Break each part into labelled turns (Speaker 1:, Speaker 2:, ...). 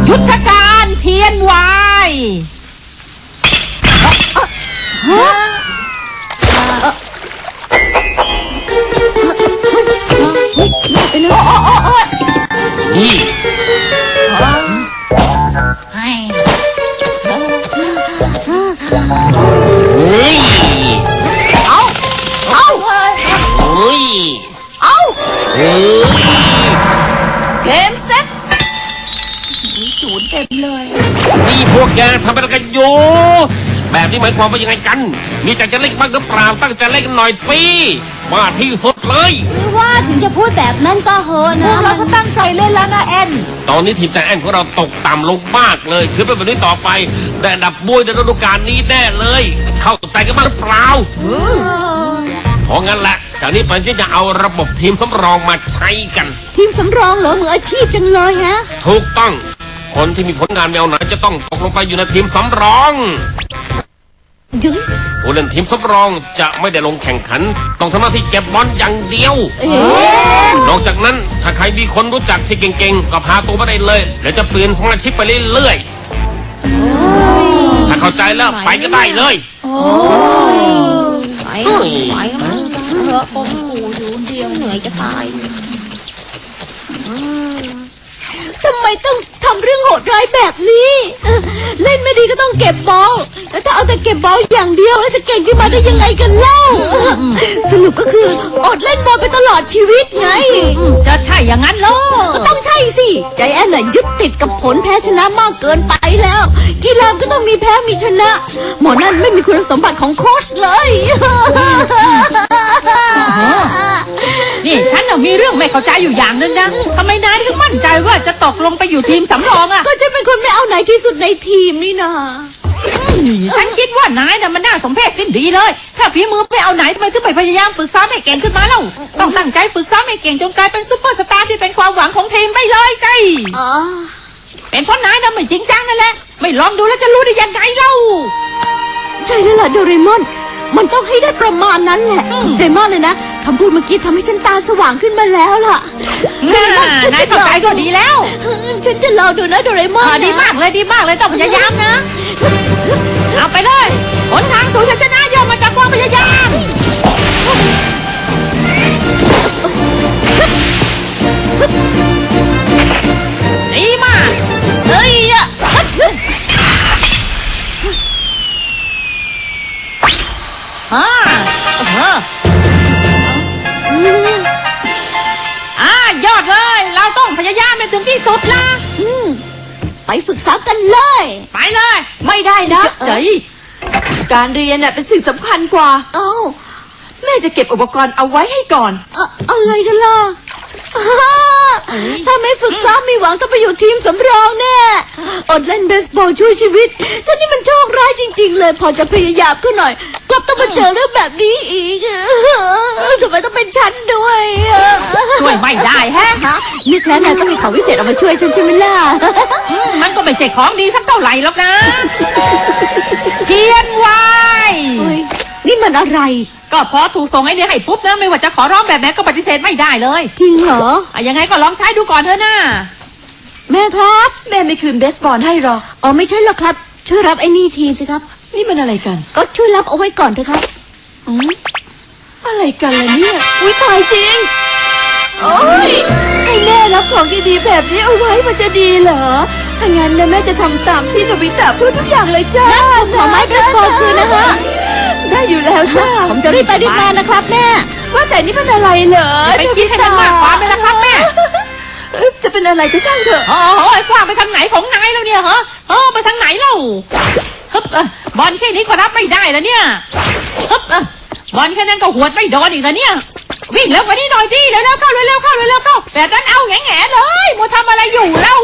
Speaker 1: ยุทธการเทียนวาย
Speaker 2: นี่
Speaker 3: เกมเซ็ตจูนเต็มเลย
Speaker 2: นี่พวกแกทำอะไรกันอยู่แบบนี้หมายความว่ายังไงกันมีใจจะเล่นบ้างหรือเปล่าตั้งใจเล่นกันหน่อยสิว่าที่สุดเลย
Speaker 4: คือว่าถึงจะพูดแบบนั้นก็เหอะนะ
Speaker 3: เราก็ตั้งใจเล่นแล้วนะแอน
Speaker 2: ตอนนี้ทีมใจแอนของเราตกต่ำลงมากเลยคือเป็นแบบนี้ต่อไปได้อันดับบุยในฤดูกาลนี้แน่เลยเข้าใจกันบ้างหรือเปล่าเพราะงั้นแหละจากนี้ไปจะเอาระบบทีมสำรองมาใช้กัน
Speaker 4: ทีมสำรองเหรอมืออาชีพจังเลยฮะ
Speaker 2: ถูกต้องคนที่มีผลงานแนวไหนจะต้องตกลงไปอยู่ในทีมสำรองผู้เล่นทีมสำรองจะไม่ได้ลงแข่งขันต้องทำหน้าที่เก็บบอลอย่างเดียวนอกจากนั้นถ้าใครมีคนรู้จักที่เก่งๆก็พาตัวมาได้เลยแล้วจะเปลี่ยนสมาชิกไปเรื่อยๆถ้าเข้าใจแล้วไปก็ได้เลย
Speaker 4: ไปมันเถอะผมขู่อยู่เดียวเหนื่อยจะตายทำไมต้องทำเรื่องโหดร้ายแบบนี้เล่นไม่ดีก็ต้องเก็บบอลแล้วถ้าเอาแต่เก็บบอลอย่างเดียวแล้วจะเก่งขึ้นมาได้ยังไงกันเล่าสรุปก็คืออดเล่นบอลไปตลอดชีวิตไง
Speaker 1: จะใช่อย่างนั้นเหรอ
Speaker 4: ก็ต้องใช่สิใจแอนน่ะยึดติดกับผลแพ้ชนะมากเกินไปแล้วกีฬาก็ต้องมีแพ้มีชนะหมอนั่นไม่มีคุณสมบัติของโค้ชเลย
Speaker 1: นี่ฉันน่ะมีเรื่องไม่เข้าใจอยู่อย่างนึงนะทำไมนายถึงมั่นใจว่าจะตกลงไปอยู่ทีมสำรองอะ
Speaker 4: ก็จะเป็นคนไม่เอาไหนที่สุดในทีมนี่นะ
Speaker 1: ฉันคิดว่านายน่ะมันน่าสมเพชสิ้นดีเลยถ้าฝีมือไม่เอาไหนทำไมถึงไม่พยายามฝึกซ้อมให้เก่งขึ้นมาเล่าต้องตั้งใจฝึกซ้อมให้เก่งจนกลายเป็นซุปเปอร์สตาร์ที่เป็นความหวังของทีมไปเลยสิเป็นเพราะนายน่ะไม่จริงจังนั่นแหละไม่ลองดูแล้วจะรู้ได้ยังไงเล่า
Speaker 4: ใช่แล้วล่ะโดเรมอนมันต้องให้ได้ประมาณนั้นแหละใจมากเลยนะคำพูดเมื่อกี้ทำให้ฉันตาสว่างขึ้นมาแล้วล่ะ
Speaker 1: นายเข้าใจก็ดีแล้ว
Speaker 4: ฉันจะลองดูนะโดเรมอน
Speaker 1: ดีมากเลยต้องพยายามนะเอาไปเลยหนทางสู่ชัยชนะย่อมมาจากความพยายามดีมากเฮ้ยยอดเลยเราต้องพยายามไปถึงที่สุดละ
Speaker 4: ไปฝึกซ้อมกันเลย
Speaker 1: ไปเลย
Speaker 3: ไม่ได้นะ
Speaker 1: ใจ
Speaker 3: การเรียนน่ะเป็นสิ่งสำคัญกว่าแม่จะเก็บอุปกรณ์เอาไว้ให้ก่อน
Speaker 4: อะไรกันล่ะถ้าไม่ฝึกซ้อมมีหวังต้องไปอยู่ทีมสำรองแน่อดเล่นเบสบอลช่วยชีวิตฉันนี่มันโชคร้ายจริงๆเลยพอจะพยายามขึ้นหน่อยกลับต้องมาเจอเรื่องแบบนี้อีกทำไมต้องเป็นฉันด้วย
Speaker 1: ช่วยไม่ได้ฮะ
Speaker 4: นึกแล้วนายต้องมีของวิเศษเอามาช่วยฉันใช่ไหมล่ะ
Speaker 1: มันก็ไม่ใช่ของดีสักเท่าไหร่หรอกนะเทียนวาย
Speaker 4: นี่มันอะไร
Speaker 1: ก็พอถูกส่งไอเดียให้ปุ๊บนะไม่ว่าจะขอร้องแบบไหนก็ปฏิเสธไม่ได้เลย
Speaker 4: จริงเหรอ
Speaker 1: ยังไงก็ลองใช้ดูก่อนเถอะนะ
Speaker 4: แม่ครับ
Speaker 3: แม่ไม่คืนเบสบอลให้หรอ
Speaker 4: ไม่ใช่หรอกครับช่วยรับไอ้นี่ทีสิครับ
Speaker 3: นี่มันอะไรกัน
Speaker 4: ก็ช่วยรับเอาไว้ก่อนเถอะครับ
Speaker 3: อะไรกันล่ะเนี่ยตายจริงให้แม่รับของดีๆแบบนี้เอาไว้มันจะดีเหรอถ้างั้นนะแม่จะทำตามที่โนบิตะพูดทุกอย่างเลยจ้า
Speaker 4: ขอไม้เบสบอลคืนนะคะ
Speaker 3: ได้อยู่แล้วจ้า
Speaker 4: ผมจะรีบไปรีบมานะครับแม่
Speaker 3: ว่าแต่นี่มันอะไรเหรอ
Speaker 1: ไปคิดให้มันมากความเลยนะครับแม่
Speaker 3: จะเป็นอะไรก็ช่างเถอะ
Speaker 1: ไอ้กว้างไปทางไหนของนายแล้วเนี่ยเหรอไปทางไหนเล่าบอลแค่นี้ก็รับไม่ได้แล้วเนี่ยบอลแค่นั้นก็หวดไม่โดนอีกแล้วเนี่ยวิ่งเร็วกว่านี้หน่อยดิเร็วๆเข้าแบบนั้นเอาแง่ๆเลยมัวทำอะไรอยู่เล่า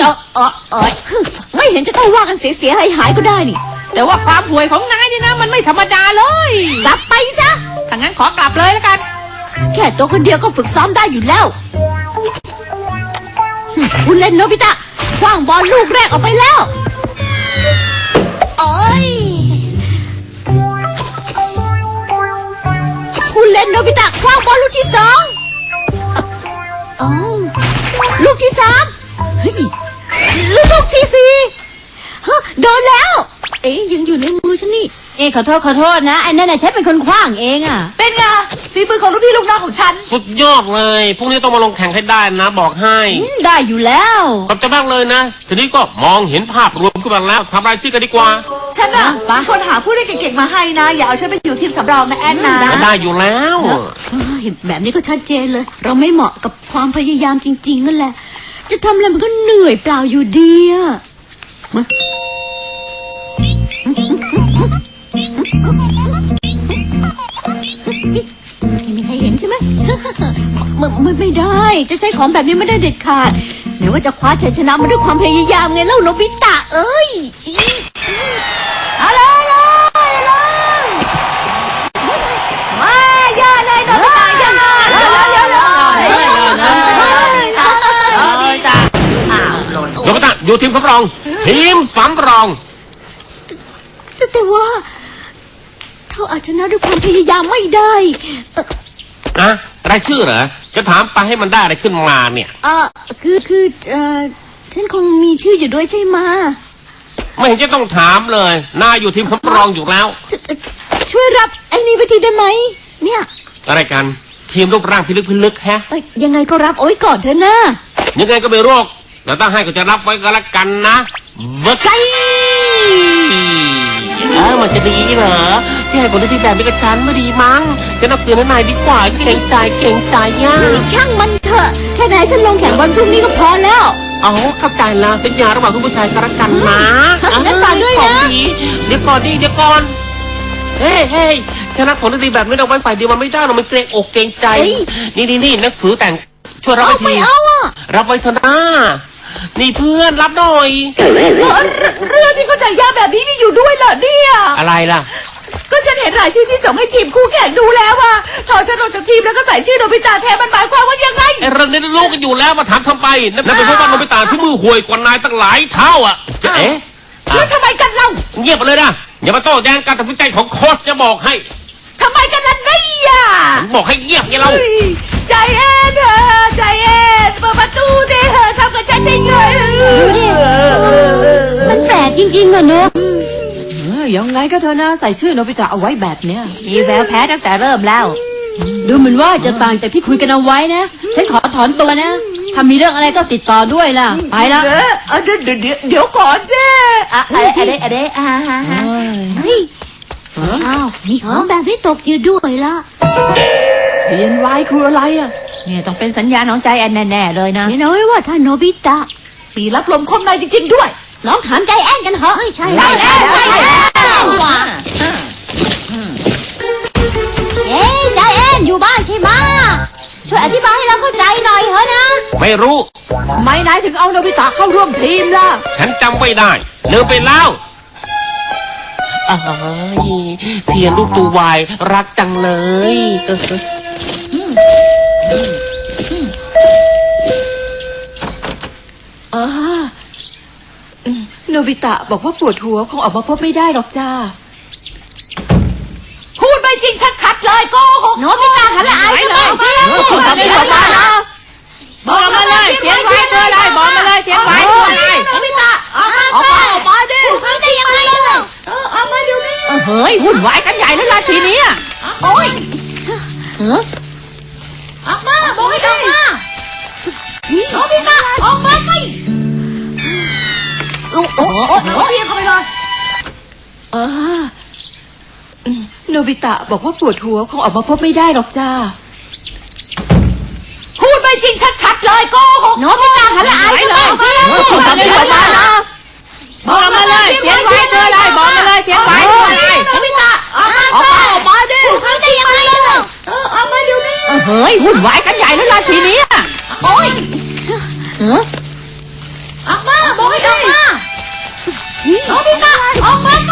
Speaker 4: ไม่เห็นจะต้องว่ากันเสียหายก็ได้นี่
Speaker 1: แต่ว่าความห่วยของนายนี่นะมันไม่ธรรมดาเลย
Speaker 4: กลับไปซะ
Speaker 1: ถ้างั้นขอกลับเลยแล้วกัน
Speaker 4: แค่ตัวคนเดียวก็ฝึกซ้อมได้อยู่แล้วคุณเล่นโนบิตะขว้างบอลลูกแรกออกไปแล้วคุณเล่นโนบิตะขว้างบอลลูกที่2ลูกที่3เฮ้ยลูกที่สี่ฮะโดนแล้ว เอ๊ยยังอยู่ในมือฉันนี่
Speaker 3: เอ๊ะขอโทษนะไอ้นั่นน่ะฉันเป็นคนขว้างเองอ่ะ
Speaker 1: เป็นไงฝีมือของลูกพี่ลูกน้องของฉัน
Speaker 2: สุดยอดเลยพรุ่งนี้ต้องมาลงแข่งให้ได้นะบอกให้
Speaker 3: ได้อยู่แล้ว
Speaker 2: ขอบใจมากเลยนะทีนี้ก็มองเห็นภาพรวมขึ้นมาแล้วทำรายชื่อกันดีกว่า
Speaker 1: ฉันน่ะเป็นคนหาผู้เล่นเก่งๆมาให้นะ อย่าเอาฉันไปอยู่ทีมสำรองนะแอนนะ
Speaker 2: ก็ได้อยู่แล้ว
Speaker 4: เห็นแบบนี้ก็ชัดเจนเลย เราไม่เหมาะกับความพยายามจริงๆนั่นแหละ จะทำอะไรมันก็เหนื่อยเปล่าอยู่ดีอะไม่มีใครเห็นใช่ไหม ไม่ได้ จะใช้ของแบบนี้ไม่ได้เด็ดขาดไหนว่าจะคว้าชัยชนะมาด้วยความพยายามไงเล่าโนบิตะเอ้ยเอาเลยมาย่าเลยโนบิตะย่าเร็ว
Speaker 2: โนบิตะอยู่ทีมสำรอง ทีมสำรอง
Speaker 4: แต่ว่าเขาอาจชนะด้วยความพยายามไม่ได้
Speaker 2: นะรายชื่อเหรอจะถามไปให้มันได้อะไรขึ้นมาเนี่ย
Speaker 4: ฉันคงมีชื่ออยู่ด้วยใช่ไหม
Speaker 2: ไม่เห็นจะต้องถามเลยนายอยู่ทีมสำรองอยู่แล้ว
Speaker 4: ช่วยรับไอ้นี่ไปทีได้ไหมเนี่ย
Speaker 2: อะไรกันทีมรูปร่างพิลึกแฮะ
Speaker 4: ยังไงก็รับเอาไว้ก่อนเถอะนะ
Speaker 2: ยังไงก็ไม่โรคแต่ถ้าให้ก็จะรับไว้ก็แล้วกันนะเวอร์ไกมันจะดีเหรอที่ให้คนที่แบบนี้กับฉันไม่ดีมั้งจะนับเตือนนายดีกว่าเกรงใจย่า
Speaker 4: ช่างมันเถอะแค่ไหนฉันลงแข่งวันพรุ่งนี้ก็พอแล้ว
Speaker 2: อ๋อเข้าใจแล้วสัญญาระหว่างทุกผู้ชายกันละกันนะ
Speaker 4: งั้นฝากด้วยนะ
Speaker 2: ของดีเดี๋ยวก่อนเฮ้ยชนะผลดีแบบนี้เราไว้ฝ่ายเดียวมันไม่ได้เรามันเกรงอกเกรงใจนี่หนังสือแต่งช่วยรับไว้ที
Speaker 4: ไม่เอาอ่ะ
Speaker 2: รับไว้เถอะนะนี่เพื่อนรับหน่อย
Speaker 1: เรื่องที่เข้าใจยากแบบนี้มีอยู่ด้วยเหรอเนี่ย
Speaker 2: อะไรล่ะ
Speaker 1: ก็ฉันเห็นรายชื่อที่ส่งให้ทีมคู่แข่งดูแล้วว่าถอนฉันออกจากทีมแล้วก็ใส่ชื่อโนบิตะแทนมันหมายความว่ายังไง
Speaker 2: ไอ้เรื่องนี้รู้กันอยู่แล้วมาถามทำไมนั่นเป็นเพราะว่าโนบิตะที่มือห่วยกว่านายตั้งหลายเท่าอ่ะจะเอ๊ะ
Speaker 1: แล้วทำไมกันเล่า
Speaker 2: เงียบไปเลยนะอย่ามาโต้แย้งการตัดสินใจของโค้ชจะบอกให้
Speaker 1: ทำไมกันล่ะเนี่ย
Speaker 2: ผมบอกให้เงียบไงเรา
Speaker 1: เฮ้ยใจแอนเถอะใจแอนเปิดประตูดิเถอะทำกับฉันได้ไง
Speaker 4: ดูดิ มันแปลกจริงๆอะเนอะ
Speaker 1: ยังไงก็เถอะนะใส่ชื่อโนบิตะเอาไว้แบบเนี้ย
Speaker 3: มีแววแพ้ตั้งแต่เริ่มแล้ว ดูเหมือนว่าจะต่างจากที่คุยกันเอาไว้นะ ฉันขอถอนตัวนะ ถ้ามีเรื่องอะไรก็ติดต่อด้วยล่ะ ไปละ
Speaker 1: เดี๋ยวก่อนสิอะไรฮะ
Speaker 4: เฮ้ยอ้าวมีของแบบนี้ตกอยู่ด้วยละ
Speaker 1: เทียนไว้คืออะไรอ่ะ
Speaker 3: เนี่ยต้องเป็นสัญญาณของใจแอนแน่ๆเลยนะ
Speaker 4: เห็นเอาไว้ว่าถ้าโนบิตะ
Speaker 1: ปีรับลมคมในจริงๆด้วย
Speaker 4: ลองถามใจแอนกันเถอะใช่
Speaker 1: ใช่แล้ว
Speaker 4: เอ๊ะใจแอนอยู่บ้านใช่ไหมช่วยอธิบายให้เราเข้าใจหน่อยเถอะนะ
Speaker 2: ไม่รู้
Speaker 1: ทำไมนายถึงเอาโนบิตะเข้าร่วมทีมล่ะ
Speaker 2: ฉันจำไม่ได้ลืมไปแล้วเทียนรูปตัววายรักจังเลย
Speaker 1: โนบิตะบอกว่าปวดหัวคงออกมาพบไม่ได้หรอกจ้าพูดไม่จริงชัดๆเลยโกหก
Speaker 4: โนบิตะทำละอายชาวบ้านสิ
Speaker 1: บอกมาเลยเทียนไว้คืออะไรบอกมาเลยเทียนไว้คืออะไรโนบิตะออกมาดิ
Speaker 4: พูดได้ยังไงล่ะ
Speaker 1: ออกมาเดี๋ยวนี้
Speaker 3: เฮ้ยวุ่นวายกันใหญ่แล้วล่ะทีนี้
Speaker 4: โอ้ย
Speaker 1: ออกมาบอกให้ออกมาโนบิตะออกมาสิ
Speaker 4: โอ้โอ้
Speaker 1: โอ้ยเข้าไปเลยโนบิตะบอกว่าปวดหัวคงออกมาพบไม่ได้หรอกจ้าพูดไม่จริงชัดๆเลยโกหก
Speaker 4: โนบิตะทำละอายชาวบ้านสิ
Speaker 1: บอกมาเลยเทียนไว้คืออะไรบอกมาเลยเทียนไว้คืออะไรโนบิตะออกมาดิ
Speaker 4: พูดได้ยังไงล่ะ
Speaker 1: ออกมาเดี๋ยวนี้
Speaker 3: เฮ้ยวุ่นวายกันใหญ่แล้วล่ะทีนี้
Speaker 4: โอ้ย
Speaker 1: ออกมาบอกให้ออกมาโนบิตะออกมาสิ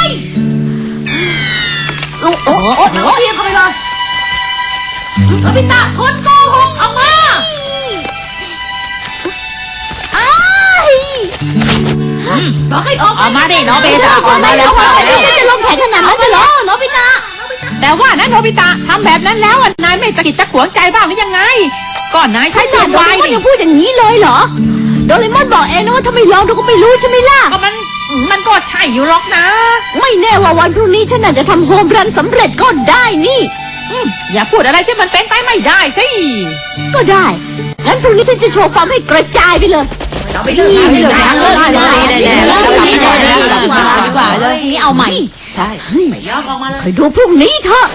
Speaker 4: โอ้โอ้
Speaker 1: โอ้ยเข้าไปเลยโนบิตะคนโกหกออกมา บอกให้ออก
Speaker 3: ออกมาดิโนบิตะออกมาแล้ว
Speaker 4: จะลงแข่งขนาดนั้นจะเหรอโนบิตะ
Speaker 3: แต่ว่านะโนบิตะทำแบบนั้นแล้วนายไม่ตะกิดตะขวงใจบ้างหรือยังไงก่อนนายใช้เทียนไว้
Speaker 4: ก็ยังพูดอย่างนี้เลยเหรอดเรมอนบอกเองนะว่าถ้าไม่ลองเราก็ไม่รู้ใช่ไหมล่ะ
Speaker 1: ก็มันก็ใช่อยู่หรอกนะ
Speaker 4: ไม่แน่ว่าวันพรุ่งนี้ฉันอาจจะทำโฮมรันสำเร็จก็ได้นี่
Speaker 1: อย่าพูดอะไรที่มันเป็นไปไม่ได้สิ
Speaker 4: ก็ได้ งั้นพรุ่งนี้ฉันจะโชว์ฟาร์มให้กระจายไปเลย
Speaker 1: เราไปเลิก
Speaker 3: นี่
Speaker 1: งาน
Speaker 3: เลิ
Speaker 1: เลย
Speaker 3: ก
Speaker 1: นะ
Speaker 3: งานเลยดีกว่าเลยนี่เอาใหม่
Speaker 1: ใช่ไม่ยอมออกมาเลย
Speaker 4: คอยดูพรุ่งนี้เถอะ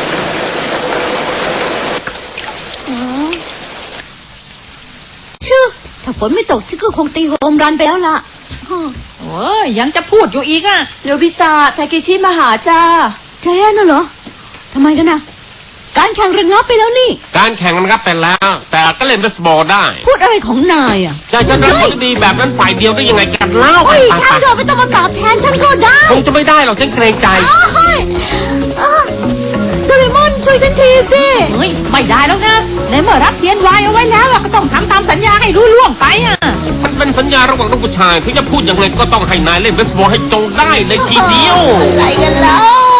Speaker 4: ชื่อถ้าฝนไม่ตกฉันก็คงตีโฮมรันไปแล้วล่ะ
Speaker 1: โอ้ยยังจะพูดอยู่อีกอ่ะ
Speaker 5: โนบิตะทาเคชิมาหาจ้า
Speaker 4: แท้น่ะเหรอทำไมกันนะการแข่งระงับไปแล้วนี่
Speaker 2: การแข่งมันครับเป็นแล้ว แต่ก็เล่นเบสบอลได้
Speaker 4: พูดอะไรของนายอ่ะ
Speaker 2: จะรับผลดีแบบนั้นฝ่ายเดียวได้ยังไงกันเล่า
Speaker 4: โอ้ย
Speaker 2: ไป
Speaker 4: ช่างเถอะไม่ต้องมาตอบแทนฉันก็ได้
Speaker 2: คงจะไม่ได้หรอกฉันเกรงใจ
Speaker 4: เฮ้ยโดเรมอนช่วยฉันทีสิ
Speaker 1: เฮ้ยไม่ได้แล้วนะในเมื่อรับเทียนไว้เอาไว้แล้วอะก็ต้องทำตามสัญญาให้รู้ล่วงไปอ่ะ
Speaker 2: มันเป็นสัญญาระหว่างลูกผู้ชายที่จะพูดยังไงก็ต้องให้นายเล่นเบสบอลให้จงได้เลยทีเดียว
Speaker 4: อะไรกันแล้ว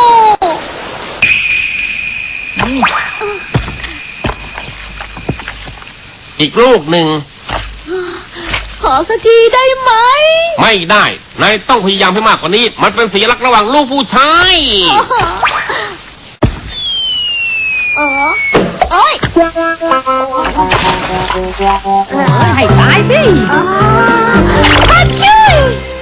Speaker 2: อีกลูกหนึ่ง
Speaker 4: ขอสักทีได้ไหม
Speaker 2: ไม่ได้ นายต้องพยายามให้มากกว่านี้ มันเป็นสัญลักษณ์ระหว่างลูกผู้ชาย
Speaker 4: เอ้ย
Speaker 1: ให้ตายสิ
Speaker 4: ฮัชชี่